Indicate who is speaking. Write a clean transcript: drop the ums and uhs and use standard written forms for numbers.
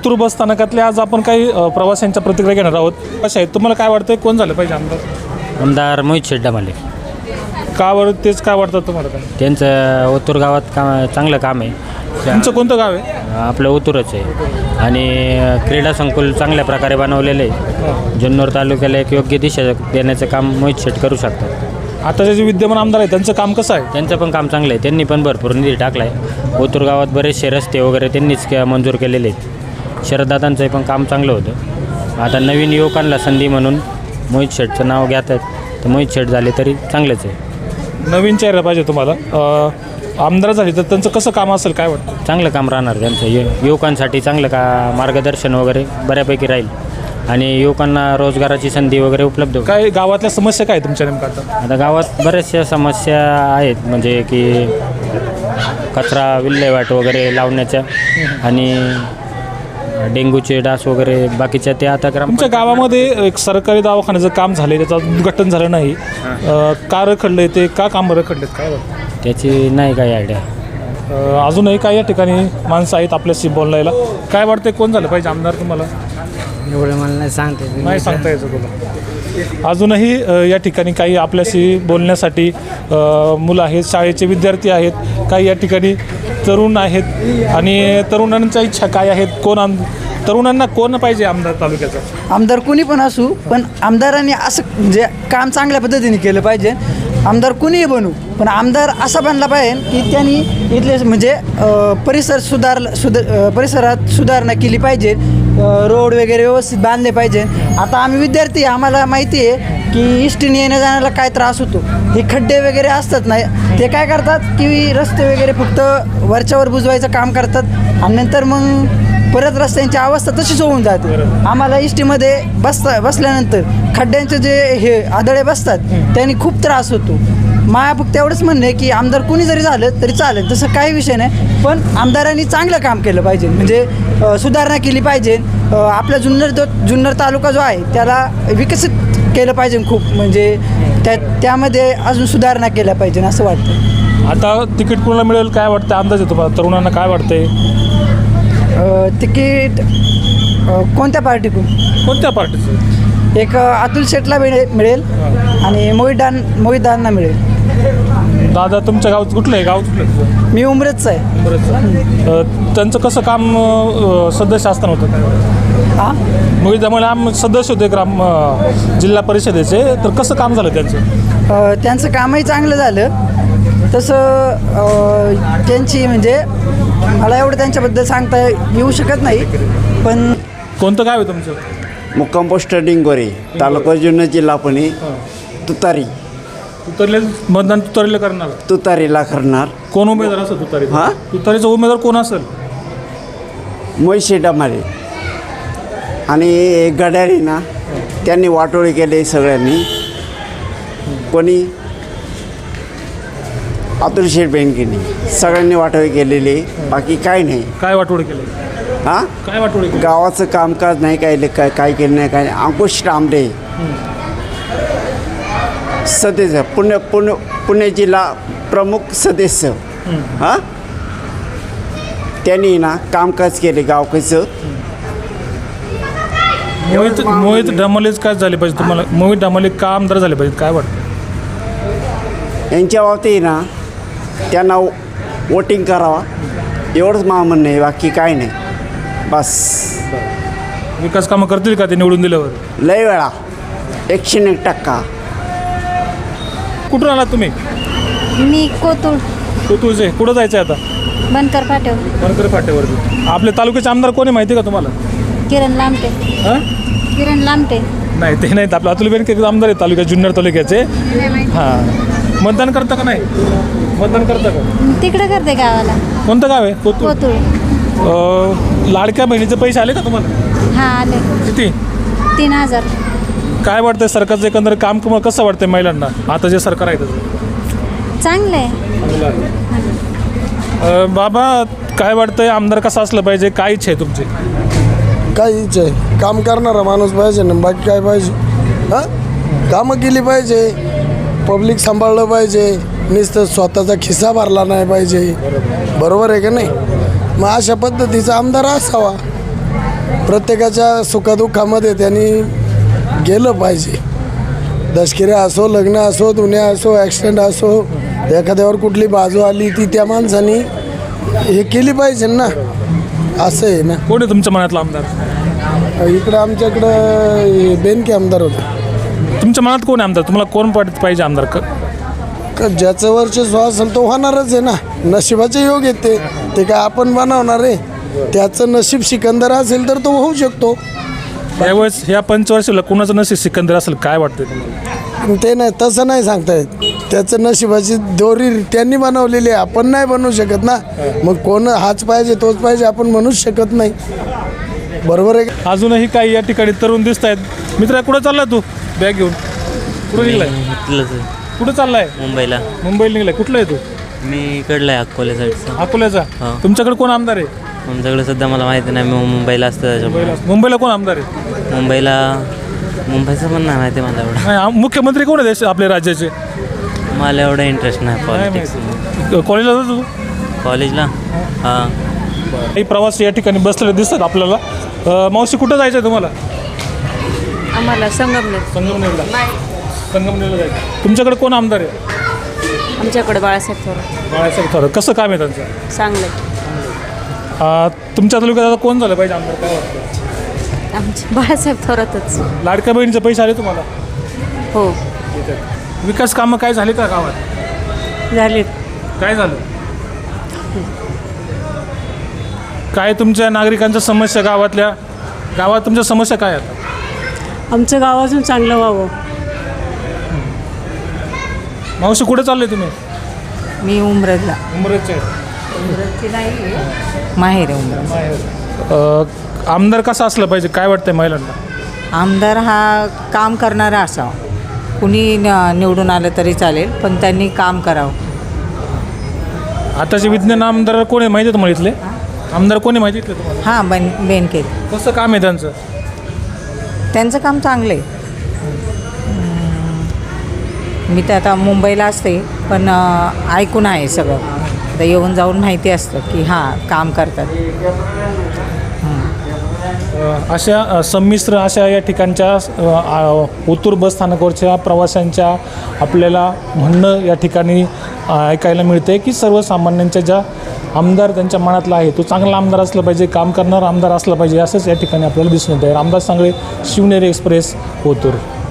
Speaker 1: ओतूर बस स्थानकातल्या आज आपण काही प्रवाशांच्या प्रतिक्रिया घेणार आहोत. कशा आहेत, तुम्हाला काय वाटतं कोण झालं पाहिजे आमदार?
Speaker 2: आमदार मोहित शेट्टी.
Speaker 1: का बरं तेच काय वाटतं तुम्हाला? काय
Speaker 2: त्यांचं ओतूर गावात चांगलं काम आहे.
Speaker 1: तुमचं कोणतं गाव आहे?
Speaker 2: आपलं ओतूरच आहे आणि क्रीडा संकुल चांगल्या प्रकारे बनवलेलं आहे. जुन्नर तालुक्याला एक योग्य दिशा देण्याचं काम मोहित शेट्टी करू शकतात.
Speaker 1: आताचे जे विद्यमान आमदार आहेत त्यांचं काम कसं आहे?
Speaker 2: त्यांचं पण काम चांगलं आहे. त्यांनी पण भरपूर निधी टाकला आहे. ओतूर गावात बरेचसे रस्ते वगैरे त्यांनीच मंजूर केलेले आहेत. शरददादांचं पण काम चांगलं होतं. आता नवीन युवकांना संधी म्हणून मोहित शेट्टीचं नाव घेत आहेत, तर मोहित शेट्टी झाले तरी चांगलेच आहे.
Speaker 1: नवीन चेहरा पाहिजे तुम्हाला. आमदार झाले तर त्यांचं कसं काम असेल काय वाटतं?
Speaker 2: चांगलं काम राहणार त्यांचं. युवकांसाठी चांगलं मार्गदर्शन वगैरे बऱ्यापैकी राहील आणि युवकांना रोजगाराची संधी वगैरे उपलब्ध होईल.
Speaker 1: काय गावातल्या समस्या काय तुमच्या नेमका?
Speaker 2: आता गावात बऱ्याचशा समस्या आहेत, म्हणजे की कचरा विल्हेवाट वगैरे लावण्याच्या आणि डेंग्यूचे डास वगैरे बाकीच्या ते आता
Speaker 1: तुमच्या गावामध्ये एक सरकारी दवाखान्याचं काम झालं आहे, त्याचं उद्घाटन झालं नाही. का रखडलं आहे ते? का काम रखडलेत काय वाटतं?
Speaker 2: त्याची नाही काही आयडिया.
Speaker 1: अजूनही काही या ठिकाणी माणसं आहेत आपल्याशी बोलायला. काय वाटतं कोण झालं पाहिजे आमदार तुम्हाला?
Speaker 2: एवढं मला नाही
Speaker 1: सांगता यायचं तुला. अजूनही या ठिकाणी काही आपल्याशी बोलण्यासाठी मुलं आहेत, शाळेचे विद्यार्थी आहेत, काही या ठिकाणी तरुण आहेत आणि तरुणांच्या इच्छा काय आहेत? तरुणांना कोण पाहिजे आमदार तालुक्याचा?
Speaker 3: आमदार कोणी पण असू, पण आमदारांनी असं म्हणजे काम चांगल्या पद्धतीने केलं पाहिजे. आमदार कुणीही बनू, पण आमदार असा बनला पाहिजे की त्यांनी इथले म्हणजे परिसरात सुधारणा केली पाहिजे. रोड वगैरे व्यवस्थित बांधले पाहिजे. आता आम्ही विद्यार्थी, आम्हाला माहिती आहे की इष्टीने येण्या जाण्याला काय त्रास होतो. हे खड्डे वगैरे असतात नाही, ते काय करतात की रस्ते वगैरे फक्त वरच्यावर बुजवायचं काम करतात आणि नंतर मग परत रस्त्यांची अवस्था तशीच होऊन जाते. आम्हाला इष्टीमध्ये बसल्यानंतर खड्ड्यांचे जे हे आदळे बसतात त्यांनी खूप त्रास होतो. माया फक्त एवढंच म्हणणं आहे की आमदार कुणी जरी झालं तरी चालेल, तसं काही विषय नाही, पण आमदारांनी चांगलं काम केलं पाहिजे, म्हणजे सुधारणा केली पाहिजे. आपला जुन्नर तालुका जो आहे त्याला विकसित केलं पाहिजे खूप, म्हणजे त्यामध्ये अजून सुधारणा केल्या पाहिजे असं वाटतं.
Speaker 1: आता तिकीट कोणाला मिळेल काय वाटतं अंदाजे तुम्हाला? तरुणांना काय वाटतंय?
Speaker 3: तिकीट कोणत्या
Speaker 1: पार्टीचं?
Speaker 3: एक अतुल शेटला मिळेल आणि मोहितदारांना मिळेल.
Speaker 1: दादा तुमच्या गावात कुठलं आहे? गाव कुठलं?
Speaker 3: मी उमरेचं आहे.
Speaker 1: उमरेचं. त्यांचं कसं काम सदस्य असताना होतं काय? मोहितदामुळे सदस्य होते जिल्हा परिषदेचे, तर कसं काम झालं त्यांचं?
Speaker 3: त्यांचं कामही चांगलं झालं. तसं त्यांची म्हणजे मला एवढं त्यांच्याबद्दल सांगता येऊ शकत नाही. पण
Speaker 1: कोणतं गाव आहे तुमचं?
Speaker 4: मुक्काम पोस्ट डिंगोरे, तालुका जुन्नर, जिल्हा पुणे. तुतारी.
Speaker 1: मतदान तुतारीला करणार?
Speaker 4: तुतारीला करणार.
Speaker 1: कोण उमेदवार असेल तुतारी?
Speaker 4: हां,
Speaker 1: तुतारीचा उमेदवार कोण असेल?
Speaker 4: मोहित शेट्टी. आणि गड्यारी ना त्यांनी वाटोळी केली सगळ्यांनी. कोणी अतुल शेठ बँकेने सगळ्यांनी वाटोळी केलेली, बाकी काय नाही.
Speaker 1: काय वाटोळी केली?
Speaker 4: हां,
Speaker 1: काय वाटोळी केली?
Speaker 4: गावाचं कामकाज नाही काय केलं नाही, काय नाही. अंकुश तांबडे सदस्य, पुणे जिल्हा प्रमुख सदस्य. हां, त्यांनी ना कामकाज केले गावचं.
Speaker 1: मोहित डमालेच काय झाले पाहिजे तुम्हाला? मोहित डमाले का आमदार झाले पाहिजे काय वाटतं?
Speaker 4: यांच्या बाबतीत ना त्यांना वोटिंग करावा एवढंच मला म्हणणं आहे, बाकी काय नाही. बस.
Speaker 1: विकास कामं करतील का ते निवडून दिल्यावर?
Speaker 4: लय वेळा 101%.
Speaker 1: कुठून आलात तुम्ही?
Speaker 5: मी
Speaker 1: कोतुळचे. कुठं जायचं आहे आता?
Speaker 5: बनकर
Speaker 1: फाट्यावरती. आपल्या तालुक्याचे आमदार कोणी माहिती का तुम्हाला?
Speaker 5: किरण लामटे.
Speaker 1: नाही ते नाहीत. आपलं अतुल बेनके आमदार आहे तालुक्यात, जुन्नर तालुक्याचे. हां, मतदान करता का नाही? मतदान करता का?
Speaker 5: तिकडे करते गावाला.
Speaker 1: कोणतं गाव आहे? कोतुळ. लाडक्या बहिणीचे पैसे आले का तुम्हाला?
Speaker 5: हां, आले.
Speaker 1: किती?
Speaker 5: 3000.
Speaker 1: काय वाटतंय सरकारचं एकंदर काम कसं वाटतंय महिलांना आता जे सरकार आहे त्याचं?
Speaker 5: चांगलं आहे.
Speaker 1: बाबा काय वाटतंय आमदार कसा असलं पाहिजे? काय इच्छा आहे तुमची?
Speaker 6: काय इच्छा आहे? काम करणारा माणूस पाहिजे ना, बाकी काय पाहिजे? हां, कामं केली पाहिजे, पब्लिक सांभाळलं पाहिजे, नुसतं स्वतःचा खिस्सा भरला नाही पाहिजे. बरोबर आहे का नाही? मग अशा पद्धतीचा आमदार असावा. प्रत्येकाच्या सुखदुःखामध्ये त्यांनी गेलं पाहिजे. दशकिऱ्या असो, लग्न असो, दुनिया असो, ॲक्सिडेंट असो, एखाद्यावर कुठली बाजू आली ती त्या माणसानी हे केली पाहिजे ना. असं आहे ना.
Speaker 1: कोण आहे तुमच्या मनातला आमदार?
Speaker 6: इकडं आमच्याकडं बेनके आमदार होते.
Speaker 1: तुमच्या मनात कोण आहे आमदार? तुम्हाला कोण पाहिजे आमदार?
Speaker 6: ज्याचं वर्चस्व असेल तो होणारच आहे ना. नशिबाचे योग आहेत ते काय आपण बनवणार आहे. त्याचं नशीब सिकंदर असेल तर तो होऊ शकतो.
Speaker 1: यावेळेस ह्या पंचवर्षीला कोणाचं नशीब सिकंदर असेल काय वाटतं तुम्हाला?
Speaker 6: ते नाही, तसं नाही सांगता येत. त्याचं नशिबाची दोरी त्यांनी बनवलेली आहे, आपण नाही बनवू शकत ना. मग कोण हाच पाहिजे तोच पाहिजे आपण म्हणूच शकत नाही. बरोबर आहे का?
Speaker 1: अजूनही काही या ठिकाणी तरुण दिसत आहेत. मित्रा, कुठं चाललाय तू बॅग घेऊन? कुठं निघलाय? कुठं चाललाय?
Speaker 7: मुंबईला.
Speaker 1: मुंबईला निघलाय. कुठला आहे तू?
Speaker 7: मी इकडला आहे अकोले साईडचा.
Speaker 1: अकोल्याचा.
Speaker 7: हो.
Speaker 1: तुमच्याकडे कोण आमदार आहे?
Speaker 7: आमच्याकडे सध्या मला माहिती नाही, मी मुंबईला असतं त्याच्यामुळे.
Speaker 1: मुंबईला कोण आमदार आहे?
Speaker 7: मुंबईचं पण नाही माहिती मला एवढं.
Speaker 1: नाही, मुख्यमंत्री कोण आहे आपल्या राज्याचे?
Speaker 7: मला एवढं इंटरेस्ट नाही पॉलिटिक्स.
Speaker 1: कॉलेजला जातो तू?
Speaker 7: कॉलेजला हां.
Speaker 1: काही प्रवासी या ठिकाणी बसलेले दिसतात आपल्याला. मावशी, कुठं जायचं आहे तुम्हाला?
Speaker 8: आम्हाला संगमनेर.
Speaker 1: संगमनेरला जायचं. तुमच्याकडे कोण आमदार आहे?
Speaker 8: आमच्याकडे बाळासाहेब थोरात.
Speaker 1: बाळासाहेब थोरात. कसं काम आहे त्यांचं?
Speaker 8: चांगलं.
Speaker 1: तुमच्या तालुक्यात आता कोण झालं पाहिजे आमदार काय वाटतं?
Speaker 8: आमचे बाळासाहेब थोरातच.
Speaker 1: लाडक्या बहिणीचे पैसे आले तुम्हाला?
Speaker 8: हो
Speaker 1: विकास कामं काय झाले का गावात?
Speaker 8: झाले.
Speaker 1: काय झालं? काय तुमच्या नागरिकांच्या समस्या गावात तुमच्या समस्या काय आहेत?
Speaker 8: आमचं गाव अजून चांगलं व्हावं.
Speaker 1: मावशी, कुठे चालले तुम्ही?
Speaker 8: मी उमरजला.
Speaker 1: उमरेचे.
Speaker 8: उमरजची नाही, माहेर आहे उमरज.
Speaker 1: आमदार कसा असला पाहिजे काय वाटतंय महिलांना?
Speaker 9: आमदार हा काम करणारा असावा. कुणी निवडून आलं तरी चालेल, पण त्यांनी काम करावं.
Speaker 1: आताचे विज्ञान आमदार कोण आहे माहिती आहे तुम्हाला? इथले आमदार कोण आहे माहिती आहे तुम्हाला?
Speaker 9: हां, बेनके.
Speaker 1: कसं काम आहे त्यांचं?
Speaker 9: त्यांचं काम चांगलं आहे. मी तर आता मुंबईला असते, पण ऐकून आहे सगळं. आता येऊन जाऊन माहिती असतं की हां काम करतात.
Speaker 1: अशा संमिश्र अशा या ठिकाणच्या ओतूर बस स्थानकावरच्या प्रवाशांच्या आपल्याला म्हणणं या ठिकाणी ऐकायला मिळते की सर्वसामान्यांच्या ज्या आमदार त्यांच्या मनातला आहे तो चांगला आमदार असला पाहिजे, काम करणारा आमदार असला पाहिजे, असंच या ठिकाणी आपल्याला दिसून येतं आहे. रामदास सांगळे, शिवनेरी एक्सप्रेस, ओतूर.